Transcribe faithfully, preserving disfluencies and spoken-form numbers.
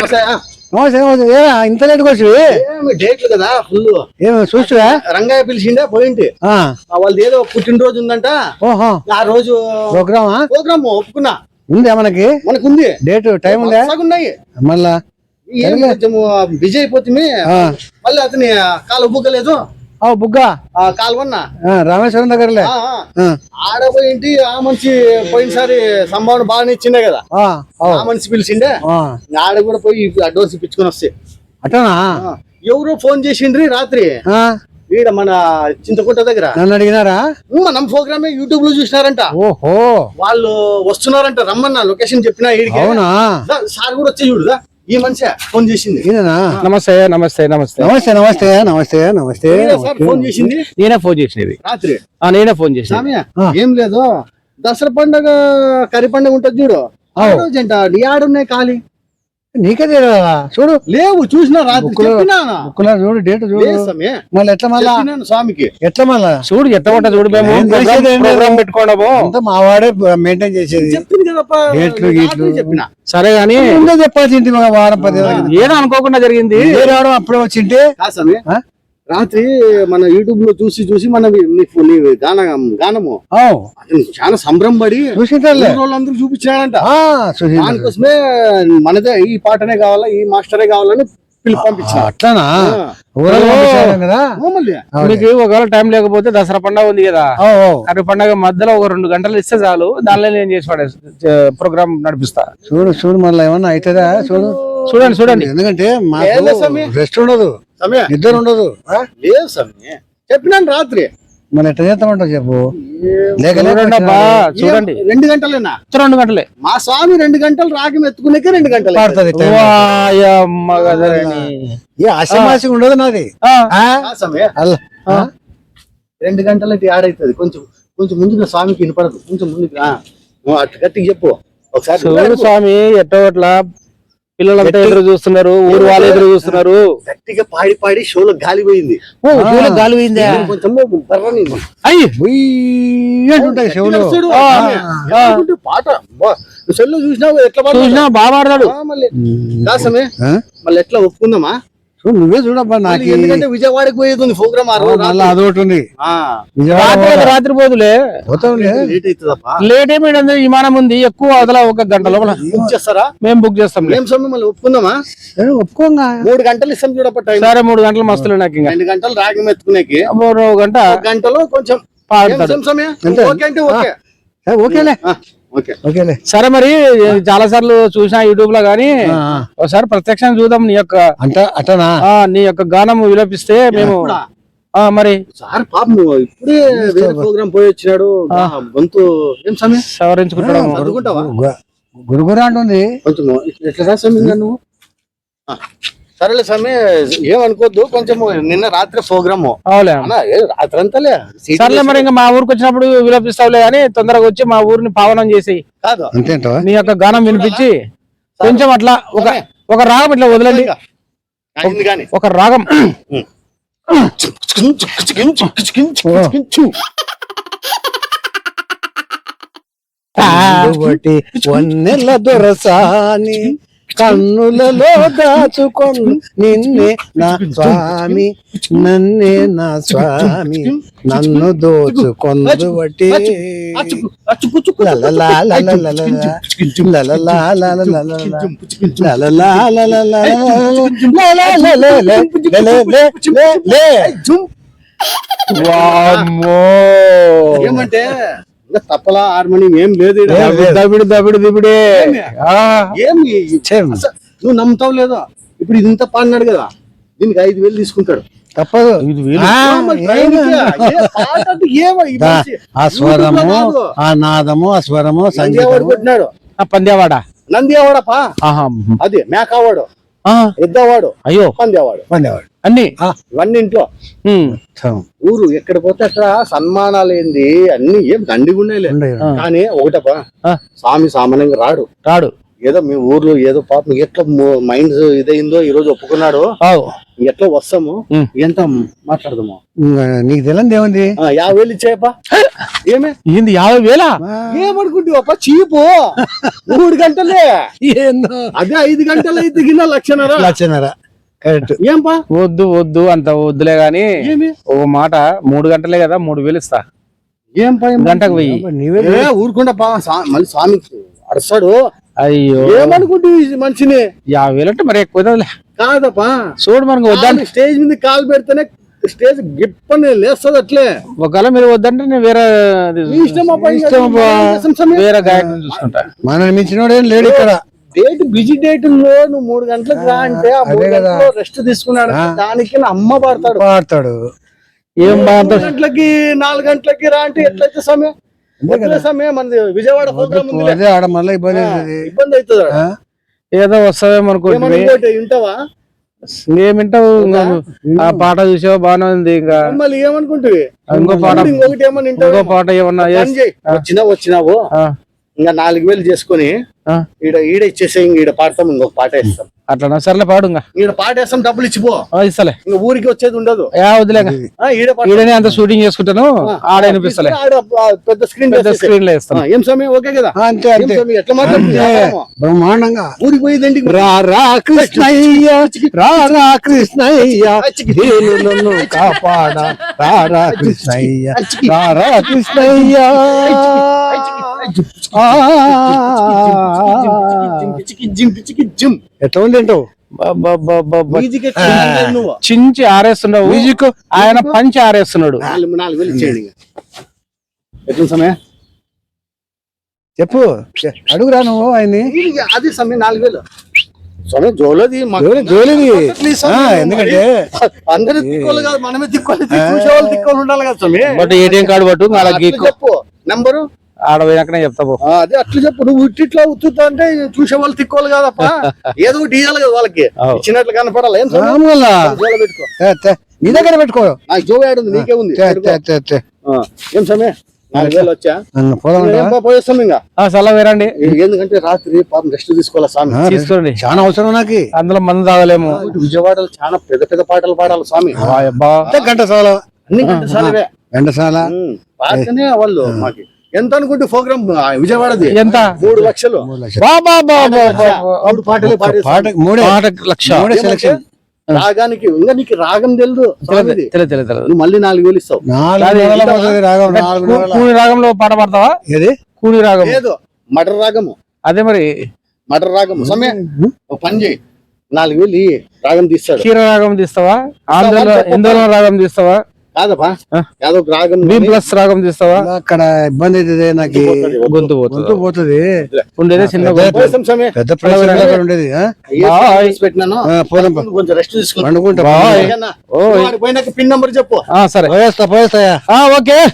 నమస్తే నమస్తే ఇంత లేట్కి వచ్చి డేట్లు కదా ఫుల్ ఏమో చూస్తురా రంగయ్య పిలిచిండే పోయింటి వాళ్ళది ఏదో పుట్టినరోజు ఉందంట. ఓహో ఆ రోజు ప్రోగ్రామా ప్రోగ్రామ్ ఒప్పుకున్నా ఉందా మనకి మనకు ఉంది డేట్ టైం ఉందా ఉన్నాయి మళ్ళా కొంచెం బిజీ అయిపోతుంది. మళ్ళీ అతని కాలు బుగ్గలేదు బుగ్గా కాలువన్నా రామేశ్వరం దగ్గరలే ఆడపోయింటి ఆ మనిషి పోయినసారి సంభావన బాగానే ఇచ్చిండే కదా ఆ మనిషి పిలిచిండే ఆడ కూడా పోయి అడ్వాన్స్ ఇప్పించుకొని వస్తే అట్టనా. ఎవరో ఫోన్ చేసిండ్రి రాత్రి ఈడ మన చింతకుంట దగ్గర నన్ను అడిగినారా మన ప్రోగ్రామ్ యూట్యూబ్ లో చూసినారంట. ఓహో వాళ్ళు వస్తున్నారంట రమ్మన్నా లొకేషన్ చెప్పినా ఈడికి సార్ కూడా వచ్చి చూడుదా ఈ మనిషి ఫోన్ చేసింది. నమస్తే నమస్తే నమస్తే నమస్తే నమస్తే నమస్తే నమస్తే ఫోన్ చేసింది నేనే ఫోన్ చేసినది రాత్రి నేనే ఫోన్ చేసిన. ఏం లేదు దసరా పండుగ కరి పండుగ ఉంటది చూడు ఆ రోజంట నీ ఆడున్నాయి ఖాళీ నీకే తెలియదా చూడు లేవు చూసినా రాత్రి చూడు డేట్ చూడు మళ్ళీ ఎట్లా మళ్ళా స్వామికి ఎట్లా మళ్ళా చూడు ఎట్లా ఉంటా చూడు మేము ప్రోగ్రామ్ పెట్టుకోవడము అంతా మా వాడే మెయింటైన్ చేసేది డేట్లు గీట్లు చెప్పిన సరే గానీ చెప్పాల్సి ఇంటి వారం పది ఏదో అనుకోకుండా జరిగింది రావడం అప్పుడే వచ్చింటే రాత్రి మన యూట్యూబ్ లో చూసి చూసి మన గాన గానము చాలా సంబరంపడి వాళ్ళందరూ చూపించాడంట. దానికోసమే మనదే ఈ పాటనే కావాలా ఈ మాస్టరే కావాలని పిలిపి పంపించారు. అట్లానా మీకు ఒకవేళ టైం లేకపోతే దసరా పండుగ ఉంది కదా అటు పండుగ మధ్యలో ఒక రెండు గంటలు ఇస్తే చాలు దానిలో నేను చేసి పడే ప్రోగ్రామ్ నడిపిస్తా. చూడు చూడు మళ్ళీ ఏమన్నా అవుతుందా చూడు చూడండి చూడండి ఎందుకంటే రెస్ట్ ఉండదు నిద్ర ఉండదు లేదు సమయ చెప్పినాను రాత్రి మన ఎట్లా చేస్తామంటావు చెప్పు చూడండి రెండు గంటలేనా రెండు గంటలే మా స్వామి రెండు గంటలు రాగం ఎత్తుకునేకే రెండు గంటలు పడుతుంది ఆశమాసి ఉండదు నాది రెండు గంటలకి ఆడైతుంది కొంచెం కొంచెం ముందుగా స్వామికి వినపడదు కొంచెం ముందుకు అటు గట్టికి చెప్పు ఒకసారి స్వామి ఎట్టోట్లా పిల్లలంతా ఎదురు చూస్తున్నారు ఊరు వాళ్ళు ఎదురు చూస్తున్నారు గట్టిగా పాడి పాడి షోలో గాలి పోయింది గాలి పోయిందా కొంచెం పాట సెల్లో చూసినావు ఎట్లా చూసినా బాగా పాడతాడు మళ్ళీ దాసమే మళ్ళీ ఎట్లా ఒప్పుకుందామా నువ్వే చూడబ్బా నాకు ఎందుకంటే విజయవాడకి పోయేది ఉంది ప్రోగ్రామ్ అదొకటి ఉంది రాత్రి పోదులే లేట్ అవుతుందప్పా లేట్ ఏమైంది విమానం ఉంది ఎక్కువ అవతల ఒక గంట లోపల బుక్ చేస్తారా మేము బుక్ చేస్తాం ఏం సమయం మళ్ళీ ఒప్పుకుందామా ఒప్పుకోంగా మూడు గంటలు ఇస్తాం చూడప్ప సరే మూడు గంటలు మస్తులు నాకు ఇంకా రెండు గంటలు రాగం ఎత్తుకునేకి గంట గంటలో కొంచెం సమయం ఓకే అంటే ఓకే ఓకేలే ఓకేలే సరే మరి చాలా సార్లు చూసినా యూట్యూబ్ లో గానీ ఒకసారి ప్రత్యక్షంగా చూద్దాం నీ యొక్క అంటే అటనా నీ యొక్క గానం విలపిస్తే మేము మరి సార్ పాపం ఇప్పుడే వేరే ప్రోగ్రామ్ పోయి వచ్చినాడు గొంతు ఏం సమయం సవరించుకుంటాడు చదువుకుంటావా గురుగురా అంటుంది కొంచెం ఎట్లా సమయం నువ్వు సరేలే సమయం ఏమనుకోద్దు కొంచెం నిన్న రాత్రి ప్రోగ్రామ్ రాత్రి అంతాలే సర్లే మరి ఇంకా మా ఊరికి వచ్చినప్పుడు విలపిస్తావులే కానీ తొందరగా వచ్చి మా ఊరిని పావనం చేసి కాదు అంతేంటో నీ యొక్క గానం వినిపించి కొంచెం అట్లా ఒక ఒక రాగం ఇట్లా వదలండి ఒక రాగం వన్నెల దొరసాని కన్నులలో దాచుకొను నిన్నే నా స్వామి నన్నే నా స్వామి నన్ను దోచుకొందు బట్టి ఏమంటే తప్పలా హార్మోనియం ఏం లేదు దబిడి దబిడి దిబిడే ఏమి నువ్వు నమ్ముతావు లేదా ఇప్పుడు ఇది ఇంత పాడినాడు కదా దీనికి ఐదు వేలు తీసుకుంటాడు తప్పదు ఆ స్వరము ఆ నాదము ఆ స్వరము సంధ్యావాడు కొట్టినాడు పందేవాడ నంద్యావాడపా అదే మేకావాడు ఎద్దవాడు అయ్యో పందేవాడు పందేవాడు అన్ని ఇవన్నీ ఇంట్లో ఊరు ఎక్కడ పోతే అక్కడ సన్మానాలు ఏంది అన్ని ఏం దండిగా ఉన్నాయి కానీ ఒకటపా స్వామి సామాన్యంగా రాడు రాడు ఏదో మీ ఊర్లో ఏదో పాపం ఎట్లా మైండ్ ఇదైందో ఈ రోజు ఒప్పుకున్నాడు, ఎట్లా వస్తాము ఎంత మాట్లాడదాము. నీకు తెలియదు ఏముంది, యాభై వేలు ఇచ్చాయప్ప. ఏమే ఏంది యాభై వేలా? ఏమనుకుంటావప్ప, చీపు మూడు గంటలే, అదే ఐదు గంటలు అయితే గిన్న లక్షన్నర లక్షన్నర కరెక్ట్. ఏం పా వద్దు వద్దు అంత వద్దులే గాని ఒక మాట, మూడు గంటలే కదా మూడు వేలు ఇస్తా. ఏం పా గంటకు వెయ్యి. ఊరుకుండా పా, మళ్ళీ స్వామి అడస్తాడు. అయ్యో ఏమనుకుంటు మనిషిని, యాభై వేలు అంటే మరి ఎక్కువ కాదప్పా. చూడు మనకు వద్దంటే స్టేజ్ మీద కాలు పెడితేనే స్టేజ్ గిప్పని లేస్తుంది అట్లే. ఒకవేళ మీరు వద్దంటే నేను వేరే వేరే గాయకుని చూసుకుంటా. మనల్ని మించినోడు ఏం లేడు ఇక్కడ. డేట్ బిజీ డేట్ లో నువ్వు మూడు గంటలకు రా అంటే ఆ మూడు గంటల్లో రెస్ట్ తీసుకున్నాడు, దానికి అమ్మ పాడతాడు పాడతాడు. ఏం మూడు గంటలకి నాలుగు గంటలకి రా అంటే ఎట్లయితే సమయం సమయం మనది విజయవాడ ప్రోగ్రామ్ ఉంది, అదే ఆడ మళ్ళీ ఇబ్బంది ఇబ్బంది అవుతుంది. ఏదో వస్తావేమో అనుకోండి. వింటావా? ఏమింటావు? ఆ పాట చూసావు బాగానే ఉంది. ఇంకా మళ్ళీ ఏమనుకుంటుంది ఇంకో పాట, ఇంకొకటి ఏమన్నా ఇంకో పాట ఏమన్నా వచ్చినా వచ్చినావు ఇంకా నాలుగు వేలు చేసుకుని ఈడ ఈడ ఇచ్చేసే, ఈడ పాడతాం, ఇంకొక పాట వేస్తాం. అట్లా సర్లే పాడు. ఇంకా ఈడ పాట వేస్తాం, డబ్బులు ఇచ్చిపో, ఇస్తలే. ఇంకా ఊరికి వచ్చేది ఉండదు. వదిలే, ఈడనే అంత షూటింగ్ చేసుకుంటాను, ఆడ అనిపిస్తలే, పెద్ద స్క్రీన్ పెద్ద స్క్రీన్ లో ఇస్తాను. ఏం సమయం ఓకే కదా? అంతే అంతే, ఎట్లా మాట్లాడుతుంది బ్రహ్మాండంగా. ఊరికి పోయేది రా రా కృష్ణయ్య, రా రా కృష్ణయ్య, నన్ను కాపాడ, రా రా కృష్ణయ్య, రా రా కృష్ణయ్య. ఎట్లా ఉంది ఏంటో, చించి ఆరేస్తున్నావు మ్యూజిక్, ఆయన పంచి ఆరేస్తున్నాడు. నాలుగు వేలు ఇచ్చేయండి. ఎట్లా సమయం చెప్పు, అడుగురా నువ్వు ఆయన్ని. అది సమయం నాలుగు వేలు సమయం జోలది జోలిది. ఎందుకంటే అందరూ తిక్కోలు కాదు, మనమే తిక్కోవాలి, చూసేవాళ్ళు తిక్కోలు ఉండాలి కదా సమయం. బట్ ఏటీఎం కార్డు పట్టు, చెప్పు నంబరు, ఆడ పోయినాకనే చెప్తావు. అదే అట్లా చెప్పు. నువ్వు ఇట్లా ఉత్తుతా అంటే చూసే వాళ్ళు తిక్కోవాలి కాదప్ప, ఏదో ఒకటి ఇవ్వాలి కదా వాళ్ళకి, ఇచ్చినట్లు కనపడాలి. ఏం పెట్టుకో, నీ దగ్గర పెట్టుకో, నాకు జో యాడ్ ఉంది, నీకే ఉంది. ఏం సమయం నాలుగు వేలు వచ్చా పోయేస్తాం ఇంకా. సలా వేరండి, ఎందుకంటే రాత్రి పాపం రెస్ట్ తీసుకోవాలి స్వామి. తీసుకోండి, చాలా అవసరం నాకు. అందులో మందు తాగలేము. విజయవాడలో చాలా పెద్ద పెద్ద పాటలు పాడాలి స్వామి. ఘంటసాల, అన్ని ఘంటసాలవే. ఘంటసాల పాటనే వాళ్ళు మాకి ఎంత అనుకుంటే ప్రోగ్రామ్ విజయవాడది ఎంత? మూడు లక్షలు. మూడు పాటలు పాడే మూడే లక్ష సెలక్షన్. రాగానికి ఇంకా నీకు రాగం తెలుదు, నువ్వు మళ్ళీ నాలుగు వేలు ఇస్తావు. కూని రాగంలో పాట పాడతావా? ఏది కూని రాగం? లేదు, మటర్ రాగము. అదే మరి మటర్ రాగము. సమయం పని చేయి, నాలుగు వేలు రాగం తీస్తాడు. క్షీర రాగం తీస్తావా? ఆంధ్రలో ఎందులో రాగం తీస్తావా? కాదపా, యాదో రాగం ప్లస్ రాగం తీస్తావా? అక్కడ ఇబ్బంది అవుతుంది, నాకు గొంతు పోతుంది. పోతుంది ఉండేది చిన్న పెద్ద ప్లేస్ ఉండేది. పెట్టినాను, కొంచెం రెస్ట్ తీసుకుంటా. అనుకుంటా పిన్ నంబర్ చెప్పు. పోయేస్తా పోయేస్తాయా? ఓకే.